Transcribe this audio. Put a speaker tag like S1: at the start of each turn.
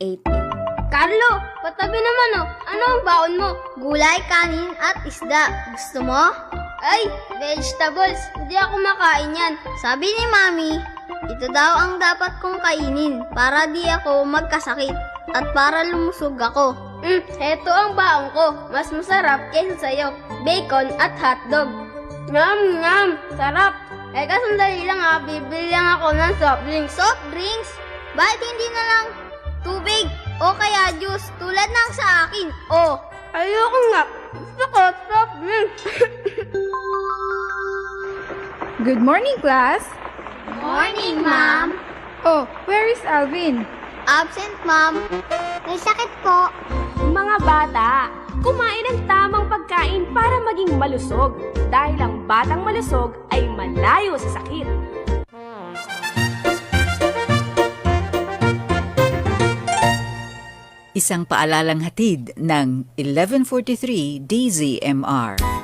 S1: Carlo, patabi naman oh. Ano ang baon mo?
S2: Gulay, kanin at isda. Gusto mo?
S1: Ay, vegetables. Hindi ako makain yan.
S2: Sabi ni Mami, ito daw ang dapat kong kainin para di ako magkasakit at para lumusog ako.
S1: Heto ang baon ko. Mas masarap kaysa sa'yo. Bacon at hotdog. Ngam! Sarap! Sandali lang ha. Bibili lang ako ng soft drinks.
S2: Soft drinks? Bakit hindi na lang tubig o kaya juice tulad ng sa akin? Oh,
S1: Ayoko nga. Gusto ko soft drinks.
S3: Good morning, class.
S2: morning, Ma'am.
S3: Oh, where is Alvin?
S2: Absent, Ma'am. May sakit po.
S4: Mga bata, kumain ng tamang pagkain para maging malusog dahil ang batang malusog ay malayo sa sakit.
S5: Isang paalalang hatid ng 1143 DZMR.